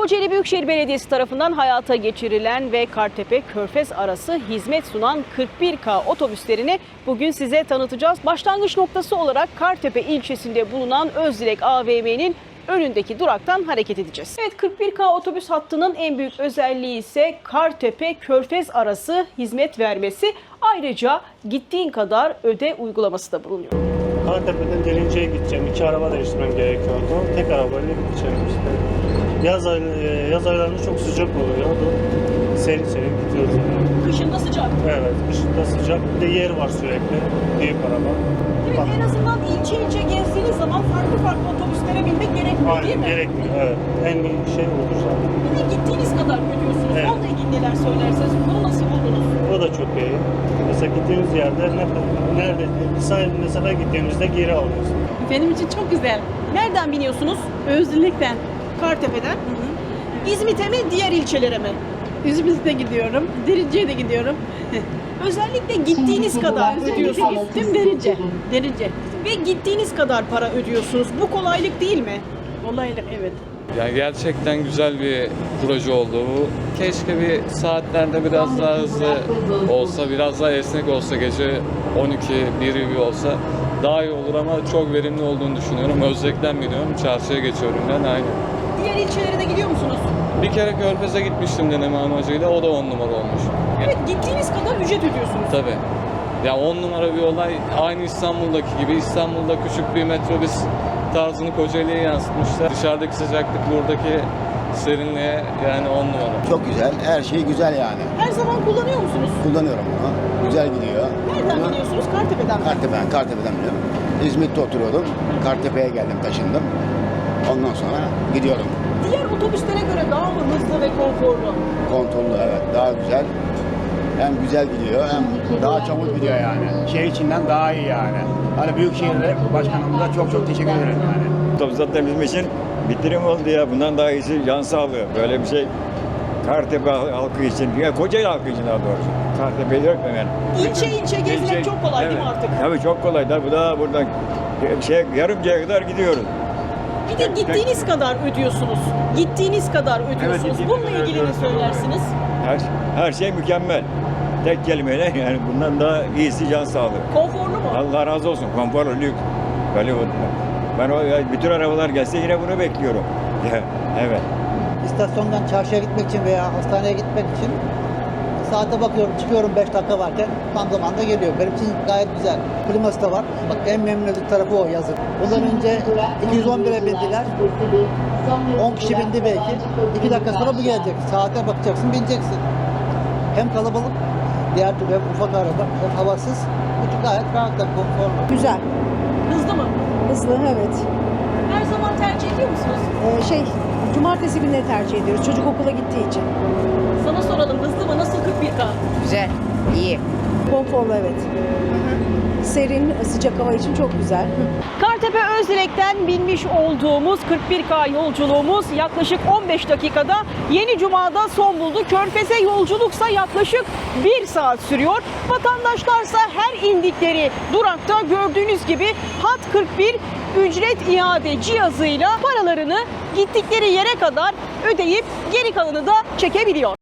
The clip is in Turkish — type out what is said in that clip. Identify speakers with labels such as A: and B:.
A: Kocaeli Büyükşehir Belediyesi tarafından hayata geçirilen ve Kartepe-Körfez arası hizmet sunan 41K otobüslerini bugün size tanıtacağız. Başlangıç noktası olarak Kartepe ilçesinde bulunan Özdilek AVM'nin önündeki duraktan hareket edeceğiz. Evet, 41K otobüs hattının en büyük özelliği ise Kartepe-Körfez arası hizmet vermesi. Ayrıca gittiğin kadar öde uygulaması da bulunuyor.
B: Kartepe'den Derince'ye gideceğim. 2 araba değiştirmem gerekiyordu. Tek arabayla gideceğim işte. Yaz aylarında çok sıcak oluyor. Serin gidiyoruz yani.
A: Kışında sıcak.
B: Evet, kışında sıcak. Bir de yer var sürekli. Büyük araba.
A: Evet,
B: Bak.
A: en azından ilçe gezdiğiniz zaman farklı otobüslere binmek gerekmiyor, değil mi?
B: Gerekmiyor, evet. En iyi şey olur zaten.
A: Bir de gittiğiniz kadar ödüyorsunuz.
B: Evet.
A: Onunla ilgili neler söylerseniz, bunu nasıl buldunuz?
B: O da çok iyi. Mesela gittiğimiz yerde nerede mesela gittiğimizde geri alıyoruz.
C: Benim için çok güzel.
A: Nereden biniyorsunuz?
C: Özgürlükten.
A: Kartepe'den. İzmit'e mi, diğer ilçelere mi?
C: İzmir'de gidiyorum. Derince'ye de gidiyorum.
A: Özellikle gittiğiniz kadar ödüyorsunuz.
C: Gittim Derince.
A: Ve gittiğiniz kadar para ödüyorsunuz. Bu kolaylık değil mi?
C: Kolaylık evet.
D: Yani gerçekten güzel bir proje oldu bu. Keşke bir saatlerde biraz daha hızlı olsa, biraz daha esnek olsa, gece 12, 1 gibi olsa daha iyi olur ama çok verimli olduğunu düşünüyorum. Özlek'ten biniyorum, çarşıya geçiyorum ben aynı.
A: Diğer ilçelere de gidiyor musunuz?
D: Bir kere Körfez'e gitmiştim deneme amacıyla, o da 10 numara olmuş.
A: Evet, gittiğiniz kadar ücret ödüyorsunuz.
D: Tabii. Ya 10 numara bir olay, aynı İstanbul'daki gibi. İstanbul'da küçük bir metrobüs tarzını Kocaeli'ye yansıtmışlar. Dışarıdaki sıcaklık, buradaki serinliğe yani 10 numara.
E: Çok güzel, her şey güzel yani.
A: Her zaman kullanıyor musunuz?
E: Kullanıyorum bunu. Güzel gidiyor.
A: Nereden
E: Bunu
A: biniyorsunuz? Kartepe'den mi?
E: Kartepe'den biliyorum. İzmit'te oturuyordum. Kartepe'ye geldim, taşındım. Ondan sonra gidiyorum.
A: Diğer otobüslere göre daha mı hızlı ve konforlu?
E: Kontrollü, evet, daha güzel. Hem güzel gidiyor, hem daha çabuk gidiyor yani. Şehir içinden daha iyi yani. Hani Büyükşehir'de başkanımıza çok teşekkür ederim yani.
F: Otobüs zaten bizim için bitirim oldu ya. Bundan daha iyisi can sağlığı. Böyle bir şey Kartepe halkı için, ya Kocaeli halkı için daha doğrusu. Kartepe'yi yok mu yani?
A: İlçe gezmek çok kolay değil mi artık?
F: Tabii çok kolay. Bu da buradan Yarımca'ya kadar gidiyoruz.
A: Bir de gittiğiniz kadar ödüyorsunuz. Gittiğiniz kadar ödüyorsunuz.
F: Evet,
A: Bununla ilgili ne söylersiniz?
F: Her şey mükemmel. Tek kelimeyle yani bundan daha iyisi can sağlığı.
A: Konforlu mu?
F: Allah razı olsun. Konforlu, lüks. Böyle ben bütün arabalar gelse yine bunu bekliyorum. Evet.
G: İstasyondan çarşıya gitmek için veya hastaneye gitmek için saate bakıyorum, çıkıyorum 5 dakika varken tam zamanda geliyor. Benim için gayet güzel. Kliması da var. Bak en memnun olduğum tarafı o yazın. Bundan önce 211'e bindiler. 10 kişi bindi belki. 2 dakika sonra bu gelecek. Saate bakacaksın, bineceksin. Hem kalabalık, diğer türlü hem ufak araba, hem havasız. Bu gayet rahat da konforlu.
H: Güzel,
A: Hızlı mı?
H: hızlı evet.
A: Her zaman tercih ediyor musunuz?
H: Cumartesi günleri tercih ediyoruz çocuk okula gittiği için.
A: Sana soralım, hızlı mı? Nasıl 41K?
H: Güzel, iyi. Konforlu evet. Serin, sıcak hava için çok güzel.
A: Kartepe Özdilek'ten binmiş olduğumuz 41K yolculuğumuz yaklaşık 15 dakikada Yeni Cuma'da son buldu. Körfez'e yolculuksa yaklaşık 1 saat sürüyor. Vatandaşlarsa her indikleri durakta gördüğünüz gibi Hat 41 ücret iade cihazıyla paralarını gittikleri yere kadar ödeyip geri kalanı da çekebiliyor.